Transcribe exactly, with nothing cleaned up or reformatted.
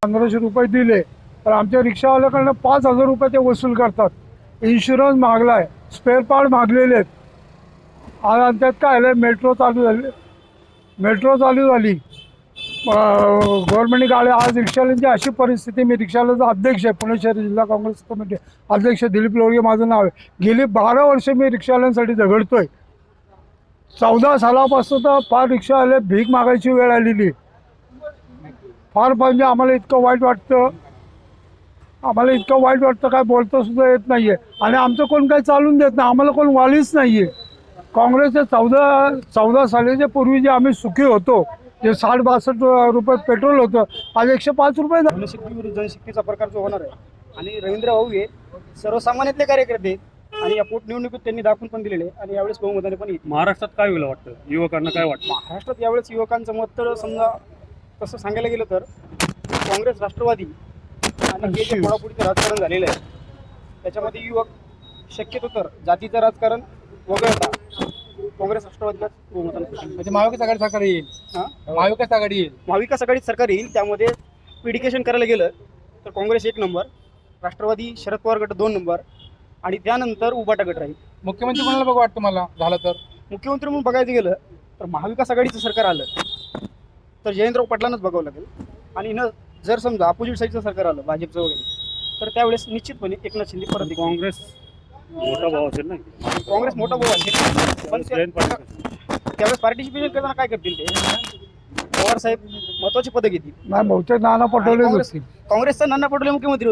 पंधराशे रुपये दिले तर आमच्या रिक्षावाल्याकडनं पाच हजार रुपये ते वसूल करतात. इन्शुरन्स मागलाय, स्पेअर पार्ट मागलेले आहेत. आणि त्यात काय आलं, मेट्रो चालू झाली मेट्रो चालू झाली गव्हर्नमेंट गाड्या. आज रिक्षावाल्यांची अशी परिस्थिती, मी रिक्षावाल्याचा अध्यक्ष आहे, पुणे शहर जिल्हा काँग्रेस कमिटी अध्यक्ष दिलीप लोळगे माझं नाव आहे. गेली बारा वर्ष मी रिक्षावाल्यांसाठी झगडतोय. चौदा सालापासून तर फार रिक्षावाले भीक मागायची वेळ आलेली. फार म्हणजे आम्हाला इतकं वाईट वाटतं आम्हाला इतकं वाईट वाटतं काय बोलतं सुद्धा येत नाही आहे. आणि आमचं कोण काही चालून देत नाही, आम्हाला कोण वालीच नाही आहे. काँग्रेसचे चौदा चौदा सालीच्या पूर्वी जे आम्ही सुखी होतो, जे साठ बासष्ट रुपये पेट्रोल होतं, आज एकशे पाच रुपये झालं. जनशक्ती विरुद्ध जनशक्तीचा प्रकार जो होणार आहे. आणि रवींद्र भाऊ हे सर्वसामान्यातले कार्यकर्ते आणि या पोटनिवडणुकीत त्यांनी दाखवून पण दिलेले आणि यावेळेस बहुमताने पण येते. महाराष्ट्रात काय होईल वाटतं, युवकांना काय वाटतं? महाराष्ट्रात यावेळेस युवकांचं मत तर समजा तसं सांगायला गेलं तर काँग्रेस, राष्ट्रवादी आणि हे जे फोडाफोडीचं राजकारण झालेलं आहे त्याच्यामध्ये युवक शक्यतो तर जातीचं राजकारण वगळता काँग्रेस, राष्ट्रवादीलाच बहुमताने. म्हणजे महाविकास आघाडी सरकार येईल. हां, महाविकास आघाडी येईल. महाविकास आघाडी सरकार येईल. त्यामध्ये पिडिकेशन करायला गेलं तर काँग्रेस एक नंबर, राष्ट्रवादी शरद पवार गट दोन नंबर आणि त्यानंतर उबाटा गट राहील. मुख्यमंत्री कोणाला बघ वाटतं मला झालं तर? मुख्यमंत्री म्हणून बघायचं गेलं तर महाविकास आघाडीचं सरकार आलं तर जयंतराव पाटलांनाच बघावं लागेल. आणि न जर समजा अपोजिट साईडचं सरकार आलं भाजपचं वगैरे तर त्यावेळेस निश्चितपणे एकनाथ शिंदे परत येतील. काँग्रेस मोठा भाव असेल ना, काँग्रेस मोठा भाऊ असेल पण त्या- जयंत पाटील. त्यावेळेस पार्टिसिपेशन करताना काय करतील ते? पवार साहेब महत्वाची पदं घेतील. नाही, बहुतेक नाना पटोलेच काँग्रेस होतील. काँग्रेसचा नाना पटोले मुख्यमंत्री